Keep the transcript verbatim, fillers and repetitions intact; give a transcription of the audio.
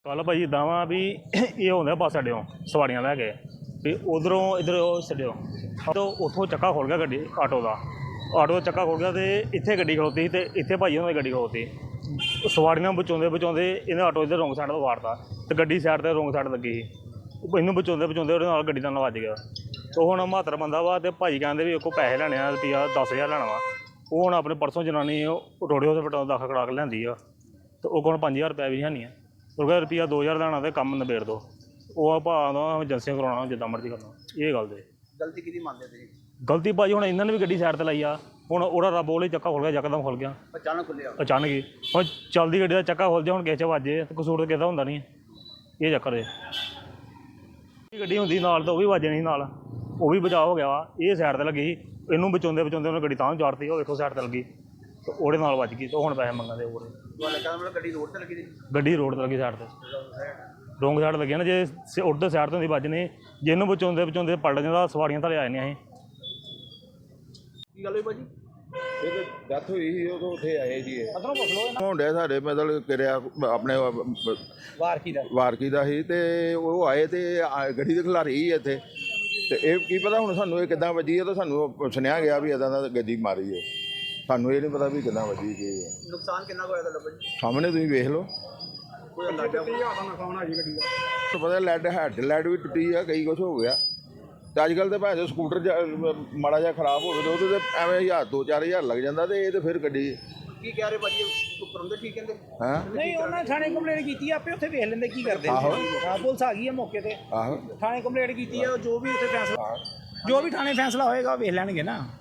कल भाई इदा वा भी ये होंगे बस अड्डे सवारियां लैके भी उधरों इधर छड्यो तो उतों चक्का खुल गया गड्डी आटो का आटो का चक्का खुल गया तो इत्थे गड्डी खलोती तो इत्थे भाई उन्होंने गड्डी खलोती सवारियां बचाते बचाते इन्हें आटो इधर रोंग साइड तो वाड़ता तो गड्डी साइड पर रोंग साइड लगी ही इनू बचाते बचाते वो गड्डी का वज गया तो हूँ बहत्तर बंदा वा तो भाई कहते भी को पैसे लैने रुपया दस हज़ार लैना वा वो हूँ अपने परसों जनानी रोड़े हॉस्पिटल दाखल करा के लियांदी आ तो वो पाँच हज़ार रुपया भी है नहीं है रुपया रुपया दो हज़ार लैना तो कम नबेड़ दो वो भाव एजेंसियां करवाना जिदा मर्जी करना ये गल दे गलती किहदी मानदे तुसीं? गलती भाई हूँ इन्होंने भी गड्डी साइड पर लाई आ हूँ वो रब बोले चक्का खुल गया यकदम खुल गया अचानक खुलिया अचानक ही हूँ चलती गड्डी का चक्का खुल जाए हूँ किसी वजे तो कसूर तो किसी होंदा नहीं ये चक्कर है गड्डी होंदी नाल तो वह भी वजे नहीं नाल वो भी बचाव हो गया वा ये साइड पर लगी इनू बचाते बचाते उन्हें गड्डी तां चाड़ती वो देखो साइड पर लगी तो वो नाल वज गई तो हूँ पैसे मंगते हो गड्डी रोड ते लगी दी गड्डी रोड पर लगी साइड पर रोंग साइड लगी ना जे उधर साइड तो होंगी बजनी जे इनू बचाते बचाते पलट जाता सवारियां थले आ जानियां की गल होई भाजी ਇਹ ਤਾਂ ਡੈਥ ਹੋਈ ਸੀ ਉਦੋਂ ਉੱਥੇ ਆਏ ਜੀ ਇਹ ਅਦਰੋਂ ਪੁੱਛ ਲਓ ਮੁੰਡੇ ਸਾਡੇ ਮਤਲਬ ਕਿਰਿਆ ਆਪਣੇ ਵਾਰ ਕੀ ਦਾ ਵਾਰਕੀ ਦਾ ਸੀ ਤੇ ਉਹ ਆਏ ਤੇ ਆ- ਗੱਡੀ ਦੇ ਖਿਲਾਰੀ ਸੀ ਇੱਥੇ ਤੇ ਇਹ ਕੀ ਪਤਾ ਹੁਣ ਸਾਨੂੰ ਇਹ ਕਿੱਦਾਂ ਵੱਜੀ ਹੈ ਤਾਂ ਸਾਨੂੰ ਸੁਣਿਆ ਗਿਆ ਵੀ ਇਦਾਂ ਦਾ ਗੱਡੀ ਮਾਰੀ ਹੈ ਸਾਨੂੰ ਇਹ ਨਹੀਂ ਪਤਾ ਵੀ ਕਿੱਦਾਂ ਵੱਜੀ ਕੀ ਹੈ ਨੁਕਸਾਨ ਕਿੰਨਾ ਕੁ ਹੋਇਆ ਤੁਹਾਡਾ ਭਾਜੀ ਸਾਹਮਣੇ ਤੁਸੀਂ ਵੇਖ ਲਓ ਕੋਈ ਅੰਦਾਜ਼ਾ ਨੁਕਸਾਨ ਆ ਜੀ ਗੱਡੀ ਦਾ ਤੁਹਾਨੂੰ ਪਤਾ ਲੈਡ ਹੈਡ ਲੈਡ ਵੀ ਟੁੱਟੀ ਆ ਕਈ ਕੁਛ ਹੋ ਗਿਆ ਤੇ ਅੱਜ ਕੱਲ੍ਹ ਤੇ ਭਾਵੇਂ ਸਕੂਟਰ ਜ- ਮਾੜਾ ਜਿਹਾ ਖਰਾਬ ਹੋਵੇ ਤੇ ਉਹਦੇ ਤੇ ਐਵੇਂ ਹਜ਼ਾਰ ਦੋ ਚਾਰ ਹਜ਼ਾਰ ਲੱਗ ਜਾਂਦਾ ਤੇ ਇਹ ਤੇ ਫਿਰ ਗੱਡੀ ਕੀ ਕਹਿ ਰਹੇ ਭਾਜੀ ਉੱਪਰ ਹੁੰਦੇ ਠੀਕ ਕਹਿੰਦੇ ਹੈਂ ਨਹੀਂ ਉਹਨਾਂ ਥਾਣੇ ਕੰਪਲੇਂਟ ਕੀਤੀ ਆ, ਆਪੇ ਉੱਥੇ ਵੇਖ ਲੈਂਦੇ ਕੀ ਕਰਦੇ ਨੇ। ਆਹੋ। ਹਾਂ ਪੁਲਿਸ ਆ ਗਈ ਹੈ ਮੌਕੇ ਤੇ, ਆਹੋ ਥਾਣੇ ਕੰਪਲੇਂਟ ਕੀਤੀ ਆ, ਜੋ ਵੀ ਉੱਥੇ ਫੈਸਲਾ ਜੋ ਵੀ ਥਾਣੇ ਫੈਸਲਾ ਹੋਏਗਾ ਉਹ ਵੇਖ ਲੈਣਗੇ ਨਾ।